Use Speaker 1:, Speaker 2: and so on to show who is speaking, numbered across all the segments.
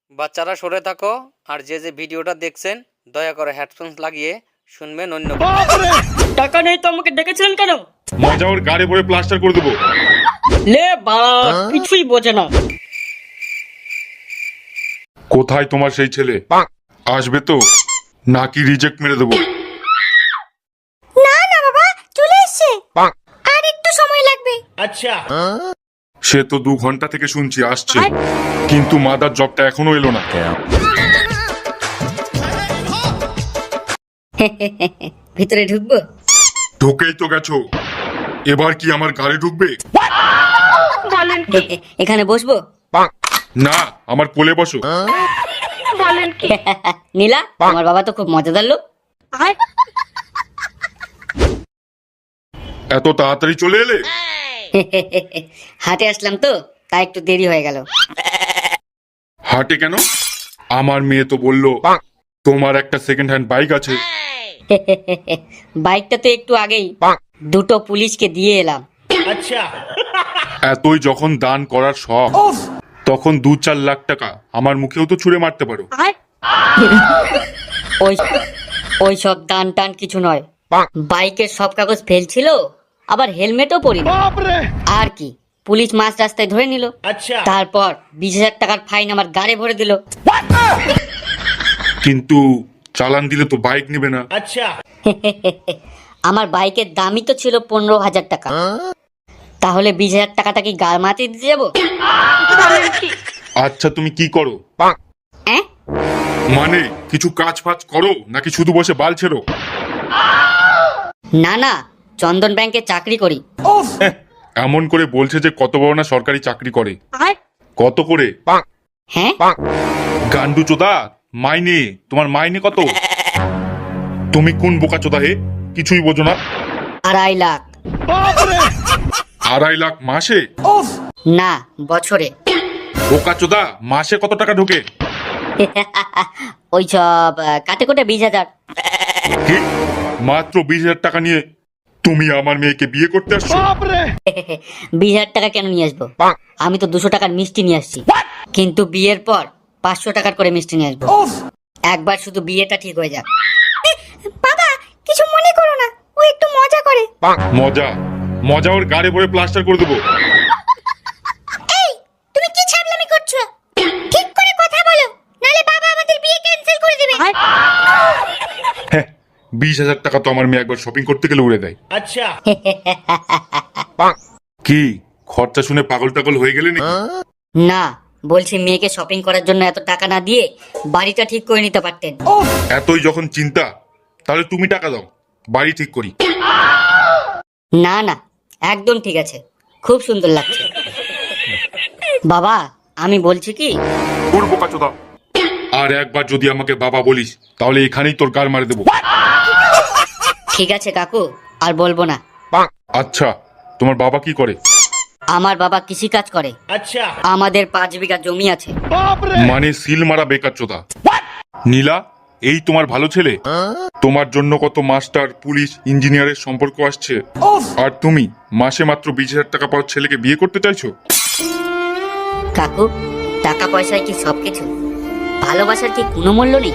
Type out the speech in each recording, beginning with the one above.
Speaker 1: বাচ্চারা সরে থাকো, আর যে যে ভিডিওটা দেখছেন দয়া করে হেডফোন লাগিয়ে শুনবেন অন্য।
Speaker 2: টাকা নেই তো আমাকে ডেকেছিলেন কেন?
Speaker 3: মজা ওর গাড়ি ভরে প্লাস্টার করে দেবো।
Speaker 2: লে বাড়া, কিছুই বোঝে না।
Speaker 3: কোথায় তোমার সেই ছেলে? আসবে তো নাকি রিজেক্ট মেরে দেবো?
Speaker 4: না না বাবা, চলে এসেছে। আর একটু সময় লাগবে।
Speaker 2: আচ্ছা,
Speaker 3: সে তো 2 ঘন্টা থেকে শুনছি আসছে, কিন্তু মাদার জবটা এখনো এলো না।
Speaker 4: ভিতরে ঢুকবো?
Speaker 3: ঢুকেই তো গেছো, এবার কি আমার গাড়ি ঢুকবে?
Speaker 4: এখানে বসবো?
Speaker 3: না, আমার কোলে বসো।
Speaker 4: নীলা, আমার বাবা তো খুব মজাদার লোক।
Speaker 3: এত তাড়াতাড়ি চলে এলে?
Speaker 4: হাটে আসলাম তো, তাই একটু দেরি হয়ে গেল।
Speaker 3: হাটে কেন? আমার মেয়ে তো বললো তোমার একটা সেকেন্ড হ্যান্ড বাইক আছে।
Speaker 4: বাইকটা তো একটু আগেই 2টো পুলিশকে দিয়ে এলাম।
Speaker 2: আচ্ছা।
Speaker 3: এতই যখন দান করার শখ, তখন 2-4 লাখ টাকা আমার মুখেও তো ছুঁড়ে মারতে পারো।
Speaker 4: ওই ওই সব দান টান কিছু নয়। বাইকের সব কাগজ ফেল ছিল, আবার হেলমেটও পরিনি। আর কি, পুলিশ মাঝ রাস্তায় ধরে নিল।
Speaker 2: আচ্ছা।
Speaker 4: তারপর 20,000 টাকার ফাইন আমার গাড়ি ভরে দিল।
Speaker 3: কিন্তু চালান দিলে তো বাইক নেবে না।
Speaker 2: আচ্ছা।
Speaker 4: আমার বাইকের দামই তো ছিল 15,000 টাকা। তাহলে 20,000 টাকাটা কি গাল মাটি দিতে যাবো?
Speaker 3: আচ্ছা, তুমি কি করো?
Speaker 4: হ্যাঁ?
Speaker 3: মানে কিছু কাজ ফাজ করো নাকি শুধু বসে বাল ছেড়ো?
Speaker 4: না না, চন্দন ব্যাংকে চাকরি করি।
Speaker 3: এমন করে বলছে যে কত বড় না সরকারি চাকরি করে। কত করে?
Speaker 4: হ্যাঁ?
Speaker 3: গান্ডু চোদা, মাইনে তোমার মাইনে কত? তুমি কোন বোকা চোদা হে, কিছুই বোঝো না।
Speaker 4: 2.5 লাখ।
Speaker 3: 2.5 লাখ মাসে?
Speaker 4: না, বছরে।
Speaker 3: বোকা চোদা, মাসে কত টাকা ঢোকে?
Speaker 4: ওই সব কাটে কোটে 20,000।
Speaker 3: কি? মাত্র 20,000 টাকা নিয়ে তুমি আমার মেয়েকে বিয়ে করতে আসছো?
Speaker 4: 20,000 টাকা কেন নিয়ে আসবো? আমি তো 200 টাকার মিষ্টি নিয়ে আসছি। কিন্তু বিয়ের পর 500 টাকার করে মিষ্টি নিয়ে আসবো। একবার শুধু বিয়েটা ঠিক হয়ে যাক। বাবা, কিছু মনে করো না, ও একটু মজা করে।
Speaker 3: মজা? মজা ওর গাড়ি ভরে প্লাস্টার করে দেবো।
Speaker 4: এই, তুমি কি ছাগলামি করছো? ঠিক করে কথা বলো, নালে বাবা আমাদের বিয়ে ক্যান্সেল করে দেবে।
Speaker 3: হ্যাঁ, 20,000 টাকা তো আমার মেয়ে একবার শপিং করতে গেলে উড়ে দেয়।
Speaker 2: আচ্ছা।
Speaker 3: কি খরচা শুনে পাগল টাগল হয়ে গেলে নাকি?
Speaker 4: না, বলছি মেয়েকে শপিং করার জন্য এত টাকা না দিয়ে বাড়িটা ঠিক করে নিতে পারতেন।
Speaker 3: এতই যখন চিন্তা, তাহলে তুমি টাকা দাও, বাড়ি ঠিক করি।
Speaker 4: না না, একদম ঠিক আছে, খুব সুন্দর লাগছে। বাবা, আমি বলছি কি,
Speaker 3: ওর বোকা চোদা, আর একবার যদি আমাকে বাবা বলিস তাহলে এখানেই তোর গাল মারি দেবো।
Speaker 4: ঠিক আছে কাকু, আর বলবো না।
Speaker 3: আচ্ছা, তোমার বাবা কি করে?
Speaker 4: আমার বাবা কৃষি কাজ করে।
Speaker 2: আচ্ছা।
Speaker 4: আমাদের 5 বিঘা জমি আছে।
Speaker 3: মানে সিল মারা বেকার চোদা। নীলা, এই তোমার ভালো ছেলে? তোমার জন্য কত মাস্টার, পুলিশ, ইঞ্জিনিয়ারের সম্পর্ক আসছে, আর তুমি মাসে মাত্র 20,000 টাকা পাওয়ার ছেলেকে বিয়ে করতে চাইছো?
Speaker 4: কাকু, টাকা পয়সায় কি সবকিছু? ভালোবাসার কি কোনো মূল্য নেই?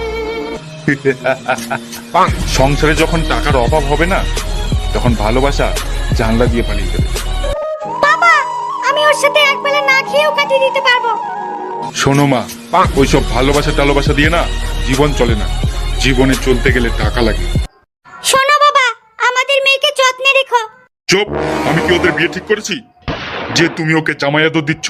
Speaker 3: সংসারে যখন টাকার অভাব হবে না, তখন ভালোবাসা জানলা দিয়ে পালিয়ে যাবে।
Speaker 4: বাবা, আমি ওর সাথে একবেলা না খেয়েও কাটিয়ে দিতে পারবো।
Speaker 3: শোনো মা, ওইসব ভালোবাসা টালোবাসা দিয়ে না জীবন চলে না। জীবনে চলতে গেলে টাকা লাগে।
Speaker 4: শোনো বাবা, আমাদের মেয়েকে যত্নে রেখো।
Speaker 3: চুপ, আমি কি ওদের বিয়ে ঠিক করেছি যে তুমি ওকে জামাই আদর দিচ্ছ?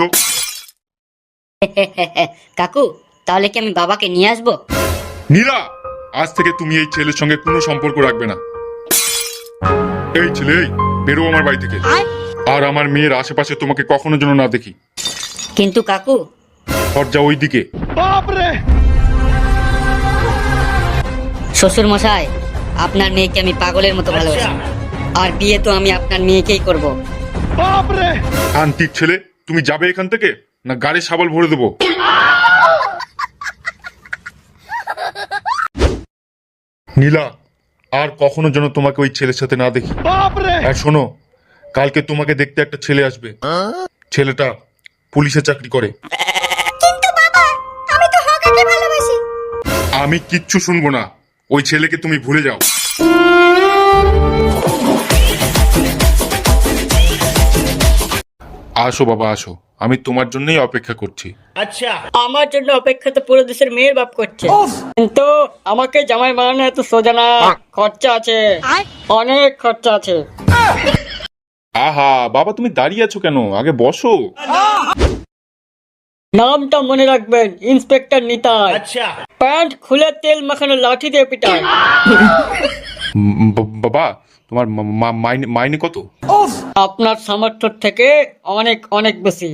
Speaker 4: কাকু, তাহলে কি আমি বাবাকে নিয়ে আসবো?
Speaker 3: নীলা, আজ থেকে তুমি এই ছেলের সঙ্গে কোনো সম্পর্ক রাখবে না। এই ছেলে, এই বেরো আমার বাড়ি থেকে, আর আমার মেয়ের আশেপাশে তোমাকে কখনো যেন না দেখি।
Speaker 4: কিন্তু কাকু,
Speaker 3: দরজা ওই দিকে।
Speaker 4: শ্বশুর মশাই, আপনার মেয়েকে আমি পাগলের মতো ভালোবাসি, আর বিয়ে তো আমি আপনার মেয়েকেই করব।
Speaker 3: শান্তির ছেলে, তুমি যাবে এখান থেকে না গাড়ি সাবাল ভরে দেবো? নীলা, আর কখনো যেন তোমাকে ওই ছেলের সাথে না দেখি। আর শোনো, কালকে তোমাকে দেখতে একটা ছেলে আসবে। ছেলেটা পুলিশে চাকরি করে।
Speaker 4: কিন্তু বাবা, আমি তো
Speaker 3: আমি কিচ্ছু শুনবো না। ওই ছেলেকে তুমি ভুলে যাও। আসো বাবা আসো, আমি তোমার জন্যই অপেক্ষা করছি।
Speaker 2: अच्छा আমার জন্য অপেক্ষা তো পুরো দেশের মেয়ের বাপ করছে, কিন্তু আমাকে জামাই বানানো এত সোজা না। খরচা আছে, অনেক খরচা আছে।
Speaker 3: আহা বাবা, তুমি দাঁড়িয়ে আছো কেন? আগে বসো।
Speaker 2: নামটা মনে রাখবেন, ইন্সপেক্টর নিতাই। আচ্ছা প্যান্ট খুলে তেল মাখানো লাঠি দিয়ে পিটায়।
Speaker 3: বাবা, তোমার মাইনে কত?
Speaker 2: আপনার সামর্থ্য থেকে অনেক অনেক বেশি।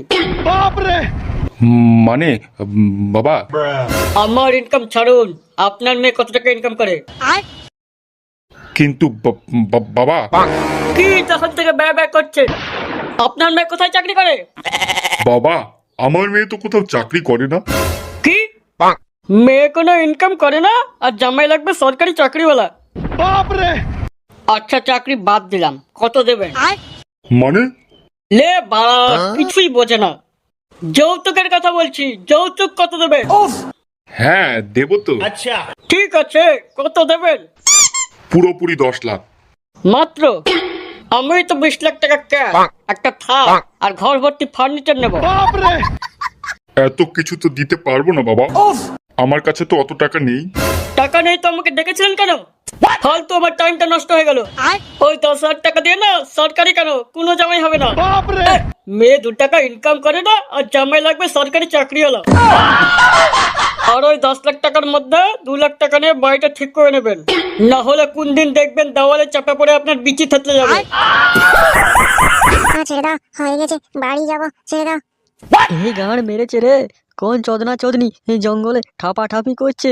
Speaker 3: মানে বাবা,
Speaker 2: আমার ইনকাম ছাড়ুন, আপনার মেয়ে কত টাকা ইনকাম করে?
Speaker 3: কিন্তু বাবা।
Speaker 2: কি তখন থেকে ব্যয় ব্যয় করছে? আপনার মেয়ে কোথায় চাকরি করে?
Speaker 3: বাবা, আমার মেয়ে তো কোথাও চাকরি করে না।
Speaker 2: কি মেয়ে কোনো ইনকাম করে না আর জামাই লাগবে সরকারি চাকরিওয়ালা? আচ্ছা চাকরি বাদ দিলাম, কত দেবেন?
Speaker 3: মানে?
Speaker 2: লে বাড়া, কিছুই বোঝে না। যৌতুকের কথা বলছি, যৌতুক কত দেবেন?
Speaker 3: হ্যাঁ দেবো তো।
Speaker 2: আচ্ছা ঠিক আছে, কত দেবেন?
Speaker 3: পুরোপুরি 10 লাখ।
Speaker 2: মাত্র? আমি তো 20 লাখ টাকা ক্যাশ, একটা থাক আর ঘর ভর্তি ফার্নিচার নেব।
Speaker 3: এত কিছু তো দিতে পারবো না বাবা, আমার কাছে তো অত টাকা নেই।
Speaker 2: টাকা নেই তো আমাকে ডেকেছিলেন কেন? ফালতু আমার টাইমটা নষ্ট হয়ে গেল। ওই 10,000 টাকা দিয়ে না সরকারি কেন কোনো জামাই হবে না। মেয়ে 2 টাকা ইনকাম করে না আর জামাই লাগবে সরকারি চাকরিওয়ালা। আর ওই 10 লাখ টাকার মধ্যে 2 লাখ টাকা নিয়ে বাড়িটা ঠিক করে নেবেন, না হলে কোন দিন দেখবেন দেওয়ালে চাপা পড়ে আপনার বিচি থেতলে যাবে।
Speaker 5: ছেড়ে দাও, হয়ে গেছে, বাড়ি যাবো, ছেড়ে দাও।
Speaker 6: এই গাঁড় মেরেছে রে, কোন চোদনা চোদনি এই জঙ্গলে ঠাপাঠাপি করছে।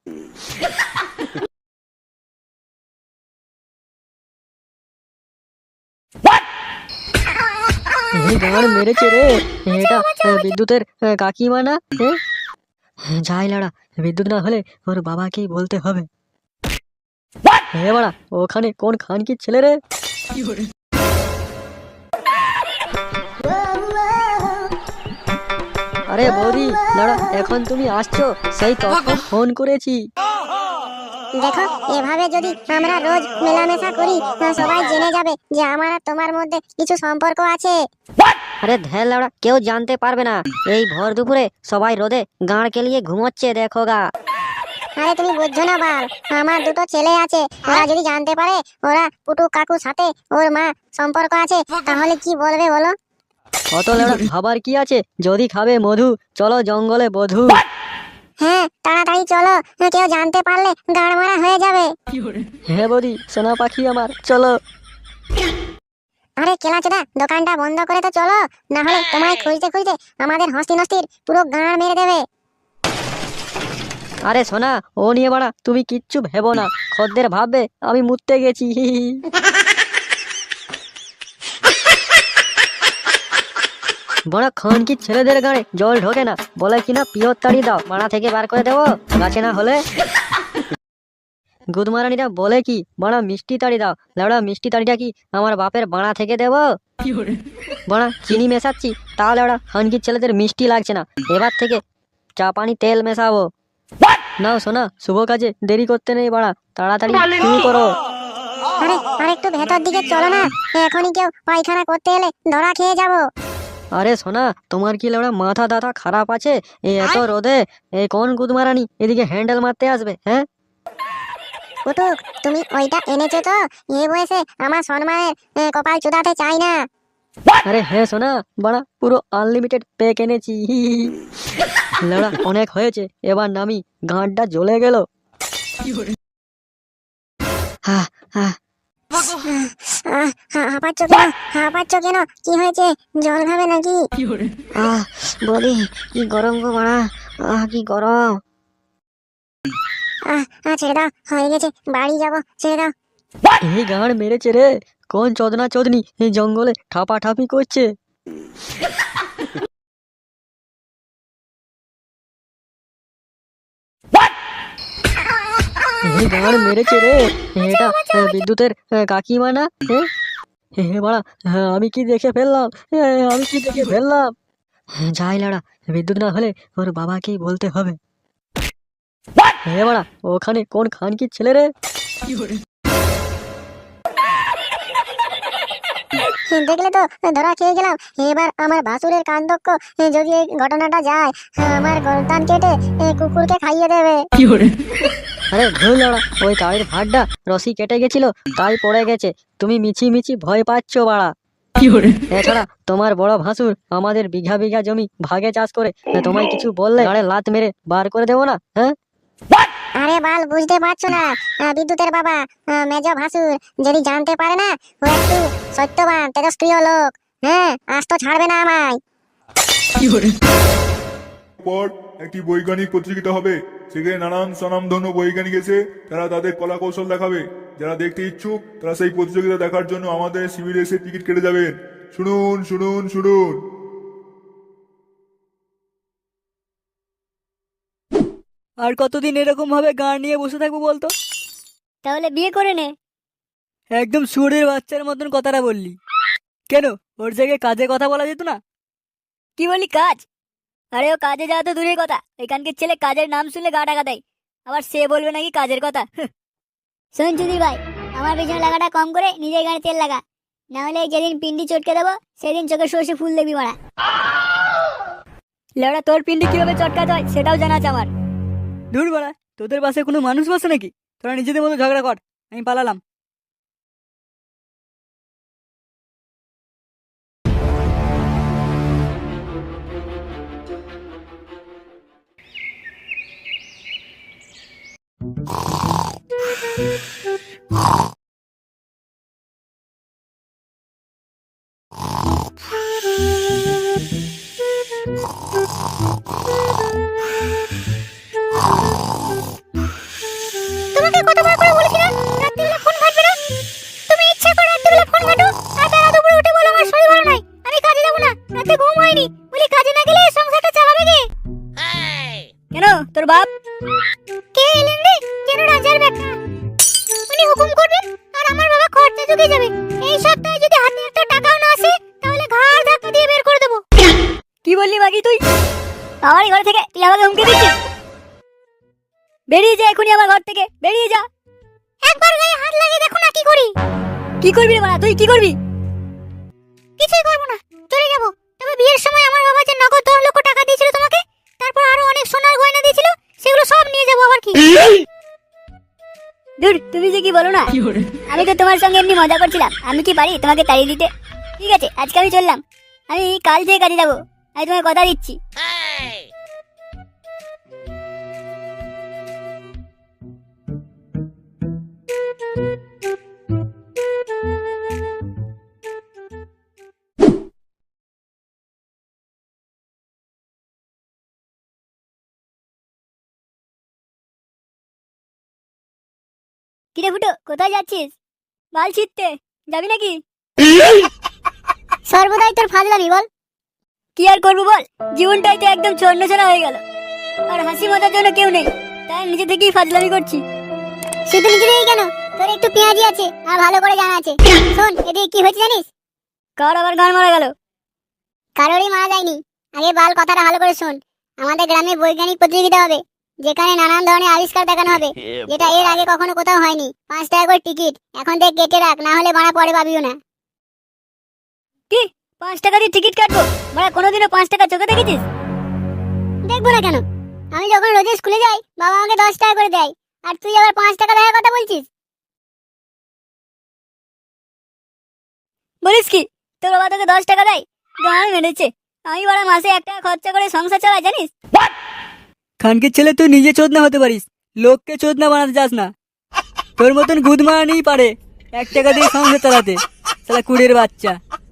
Speaker 6: এই গাঁড় মেরেছে রে, এটা বিদ্যুতের কাকিমা না? যাই লাড়া, বিদ্যুৎ না হলে ওর বাবাকেই বলতে হবে। হে বাড়া, ওখানে কোন খানকির ছেলে রে? আরে বৌদি দাঁড়া, এখন তুমি আসছো? সেই তখন ফোন করেছি।
Speaker 5: দেখো, এভাবে যদি আমরা রোজ মেলামেশা করি সবাই জেনে যাবে যে আমার আর তোমার মধ্যে কিছু সম্পর্ক আছে।
Speaker 6: আরে ধ্যান লাউড়া, কেউ জানতে পারবে না। এই ভর দুপুরে সবাই রোদে গাঁড় কেলিয়ে ঘুমোচ্ছে, দেখো গা।
Speaker 5: আরে তুমি বুঝছো না বাল, আমার 2টো ছেলে আছে, ওরা যদি জানতে পারে ওরা পুটু কাকুর সাথে ওর মা সম্পর্ক আছে, তাহলে কি বলবে বলো?
Speaker 6: অত লাউড়া ভাবার কি আছে? যদি খাবে মধু, চলো জঙ্গলে বধু।
Speaker 5: হ্যাঁ তাড়াতাড়ি চলো, কেউ জানতে পারলে গাড় মারা হয়ে যাবে।
Speaker 6: হ্যাঁ বৌদি, সোনা পাখি আমার, চলো।
Speaker 5: আরে কেলাচোদা, দোকানটা বন্ধ করে তো চলো, না হলে তোমায় খুঁজতে খুঁজতে আমাদের হস্তি নস্তির পুরো গাঁড় মেরে দেবে।
Speaker 6: আরে সোনা, ও নিয়ে বাড়া তুমি কিচ্ছু ভেবো না, খদ্দের ভাববে আমি মুততে গেছি। বড় খানকি ছেলেদের গাড়ে জল ঢোকে না, বলে কিনা পিওর তাড়ি দাও, মারা থেকে বার করে দেবো, গাছে না হলে। গুদমারানিরা বলে কি বাড়া মিষ্টি তাড়ি দাও, লেবড়া মিষ্টি তাড়িটা কি আমার বাপের বাড়া থেকে দেবো? বাড়া চিনি মেশাচ্ছি, তাহলে ওরা খানকির ছেলেদের মিষ্টি লাগছে না, এবার থেকে চা পানি তেল মেশাবো। নাও সোনা, শুভ কাজে দেরি করতে নেই বাড়া, তাড়াতাড়ি শুরু করো।
Speaker 5: আরে আরেকটু ভেতর দিকে চলো না, এখনই কেউ পায়খানা করতে এলে ধরা খেয়ে যাবো।
Speaker 6: আরে সোনা, তোমার কি লেবড়া মাথা দাথা খারাপ আছে? এই এত রোদে এই কোন গুদমারানি এদিকে হ্যান্ডেল মারতে আসবে? হ্যাঁ
Speaker 5: কুটুক, তুমি ওইটা এনেছো তো? এই বয়সে আমার সম্মানের কপাল চুদাতে চাই না।
Speaker 6: আরে হ্যাঁ সোনা, বাড়া পুরো আনলিমিটেড প্যাক এনেছি। লেবড়া অনেক হয়েছে, এবার নামি, গাঁটটা জ্বলে গেল। হ্যাঁ হ্যাঁ,
Speaker 5: হাঁপাচ্ছ কেন? হাঁপাচ্ছ কেন? কি হয়েছে? জল খাবে নাকি?
Speaker 6: বলি কি গরম গো বাড়া, কি গরম।
Speaker 5: ছেড়ে দাও, হয়ে গেছে, বাড়ি যাবো, ছেড়ে দাও।
Speaker 6: এই গাঁড় মেরেছে রে, কোন চোদনা চোদনি এই জঙ্গলে ঠাপাঠাপি করছে। এই গাঁড় মেরেছে রে, এটা বিদ্যুতের কাকিমা না? বাড়া, আমি কি দেখে ফেললাম, আমি কি দেখে ফেললাম। যাই লাড়া, বিদ্যুৎ না হলে ওর বাবাকেই বলতে হবে। হে বাড়া, ওখানে কোন খানকির ছেলে রে?
Speaker 5: দেখলে তো, ধরা খেয়ে গেলাম। এবার আমার ভাসুরের কান্দক্ষ যদি এই ঘটনাটা যায়, আমার গর্দান কেটে কুকুরকে খাইয়ে দেবে।
Speaker 6: আরে ভুল ওরা, ওই তাড়ির ভাড়টা রশি কেটে গেছিল, তাই পড়ে গেছে। তুমি মিছি মিছি ভয় পাচ্ছ বাড়া। এছাড়া তোমার বড় ভাসুর আমাদের বিঘা বিঘা জমি ভাগে চাষ করে, তোমায় কিছু বললে আরে লাত মেরে বার করে দেবো না? হ্যাঁ,
Speaker 5: আরে বাল, বুঝতে পারছো না? বিদ্যুতের বাবা, মেজ ভাসুর যদি জানতে পারে না, ও একটু সত্যবান তেজস্ক্রিয় লোক। হ্যাঁ, আজ তো ছাড়বে না আমায়।
Speaker 3: পর একটি বৈজ্ঞানিক প্রতিযোগিতা হবে। সেখানে নানান স্বনামধন্য বৈজ্ঞানিক এসে তারা তাদের কলা কৌশল দেখাবে। যারা দেখতে ইচ্ছুক তারা সেই প্রতিযোগিতা দেখার জন্য আমাদের শিবিরে এসে টিকিট কেটে যাবেন। শুনুন শুনুন শুনুন।
Speaker 2: আর কতদিন এরকম ভাবে গান নিয়ে বসে থাকবো বলতো?
Speaker 5: তাহলে বিয়ে করে নে।
Speaker 2: একদম সুরের বাচ্চার মতন কথাটা বললি কেন? ওর জায়গায় কাজে কথা বলা যেত না? কি বলি কাজ? আরে ও কাজে যাওয়া তো দূরের কথা, এখানকার ছেলে কাজের নাম শুনলে গা টাকা দেয়, আবার সে বলবে নাকি কাজের কথা।
Speaker 5: শোন চুদির ভাই, আমার পিছনে লাগাটা কম করে নিজের গানে তেল লাগা, না হলে যেদিন পিন্ডি চটকে দেবো সেদিন চোখে সর্ষে ফুল দেখবি মারা।
Speaker 2: লেওড়া, তোর পিন্ডি কিভাবে চটকাতে হয় সেটাও জানা আছে আমার। দূর বাড়া, তোদের পাশে কোনো মানুষ বসে নাকি? তোরা নিজেদের মতো ঝগড়া কর, আমি পালালাম।
Speaker 5: তোমাকে কতবার করে বলেছিলাম রাত্রিবেলা ফোন ঘাটবে না? তুমি ইচ্ছা করে রাত্রিবেলা ফোন ঘাটো, আর বেলা দুপুরে উঠে বলো আমার শরীর ভালো নাই, আমি কাজে যাবো না, রাতে ঘুম হয়নি, বলি কাজে না গেলে সংসারটা চালাবে কে?
Speaker 2: কেন তোর বাপ?
Speaker 5: কে এলেন রে? কেন রাজার ব্যাখ্যা? উনি হুকুম করবেন আর আমার বাবা খরচা চুকে যাবে। এই সপ্তাহে যদি হাতে একটা টাকাও না আসে তাহলে ঘাড় ধাক্কা দিয়ে বের করে দেবো।
Speaker 2: কি বললি বাকি তুই?
Speaker 5: আমারই ঘর থেকে তুই আমাকে হুমকি দিচ্ছিস?
Speaker 2: বেরিয়ে যা এখনই আমার ঘর থেকে, বেরিয়ে যা।
Speaker 5: একবার গায়ে হাত লাগিয়ে দেখো না কি করি।
Speaker 2: কি করবি রে বাড়া, তুই কি করবি?
Speaker 5: কিছুই করবো না, চলে যাবো। তবে বিয়ের সময় আমার বাবা যে নগদ 10 লক্ষ টাকা দিয়েছিল তোমাকে, তারপর আরো অনেক সোনার গয়না দিয়েছিল, সেগুলো সব নিয়ে যাবো। আবার কি?
Speaker 2: দূর, তুমি যে কি বলো না।
Speaker 5: আমি তো তোমার সঙ্গে এমনি মজা করছিলাম, আমি কি পারি তোমাকে তাড়িয়ে দিতে? ঠিক আছে, আজকে আমি চললাম, আমি কাল থেকে কাজে যাবো, আমি তোমাকে কথা দিচ্ছি। কিরে ফুটো, কোথায় যাচ্ছিস?
Speaker 2: বাল ছিটতে যাবি নাকি?
Speaker 5: সর্বদাই তোর ফাজলামি বল।
Speaker 2: কি আর করবো বল, জীবনটাই তো একদম ছন্নছাড়া হয়ে গেল, আর হাসি মজার জন্য কেউ নেই, তাই নিজে থেকেই ফাজলামি করছি।
Speaker 5: শুধু নিজেই কেন, তোর একটু পেঁয়াজি আছে আর ভালো করে জানা আছে। শোন, এদিকে কি হয়েছে জানিস?
Speaker 2: কার আবার গান মারা গেল?
Speaker 5: কারোরই মারা যায়নি। আগে বাল, কথাটা ভালো করে শোন। আমাদের গ্রামে বৈজ্ঞানিক প্রতিযোগিতা হবে, যেখানে নানান ধরনের আবিষ্কার দেখানো হবে, যেটা এর আগে কখনো কোথাও হয়নি। 5 টাকা করে টিকিট, এখন থেকে কেটে রাখ, না হলে মারা পরে পাবিও না।
Speaker 2: কি 5 টাকা দিয়ে টিকিট কাটবো? মানে কোনোদিনও 5 টাকা চোখে দেখেছিস?
Speaker 5: দেখবো না কেন? আমি যখন রোজ স্কুলে যাই, বাবা আমাকে 10 টাকা করে দেয়, আর তুই আবার 5 টাকা দেওয়ার কথা বলছিস?
Speaker 2: বলিস কি, তোর বাবা তোকে 10 টাকা দেয়? গান মেরেছে। আমি বড় মাসে 1 টাকা খরচা করে সংসার চালাই, জানিস? খানকে ছেলে, তুই নিজে চোদনা হতে পারিস, লোককে চোদনা বানাতে যাস না। তোর মতন গুদ মারানি পারে 1 টাকা দিয়ে সংসার চালাতে, সালা কুড়ের বাচ্চা।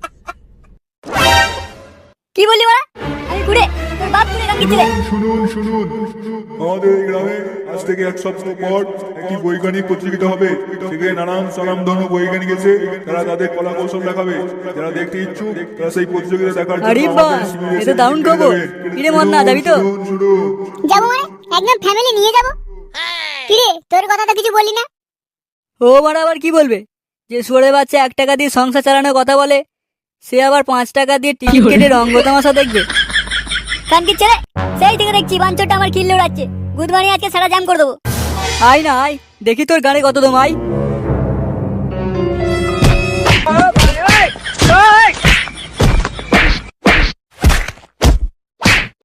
Speaker 2: কি বললি বাড়া? আমি কুড়ে? তোর বাপ কুড়ে খানকে ছেলে।
Speaker 3: শুনুন শুনুন, আমাদের এই গ্রামে আজ থেকে 1 সপ্তাহ পর একটি বৈজ্ঞানিক প্রতিযোগিতা হবে। সেখানে নানান স্বনামধন্য বৈজ্ঞানিক এসে তারা তাদের কলা কৌশল দেখাবে। যারা দেখতে ইচ্ছুক তারা সেই প্রতিযোগিতা দেখার জন্য
Speaker 2: আরে বাহ,
Speaker 3: আমাদের শিবিরে
Speaker 2: এ
Speaker 3: এসে
Speaker 2: তো দারুণ
Speaker 3: টিকিট কেটে
Speaker 2: খবর।
Speaker 3: যাবেন।
Speaker 2: কিরে মন্না, যাবি তো?
Speaker 3: শুনুন শুনুন।
Speaker 5: যাবো মানে একদম ফ্যামিলি নিয়ে যাবো। কিরে, তোর কথা তো কিছু বললি না?
Speaker 2: ও বাড়া আবার কি বলবে? যে সুরে বাচ্চা 1 টাকা দিয়ে সংসার চালানোর কথা বলে, সে আবার 5 টাকা দিয়ে টিকিট কেটে রঙ্গ তামাশা দেখবে? কানকির ছেলে, সেই থেকে দেখছি বাঞ্চটা আমার কিল্লে উড়াচ্ছে।
Speaker 5: গুড মর্নিং আজকে সারা জাম করে দেবো।
Speaker 2: আয় না আয়, দেখি তোর গানে কত দম আয়।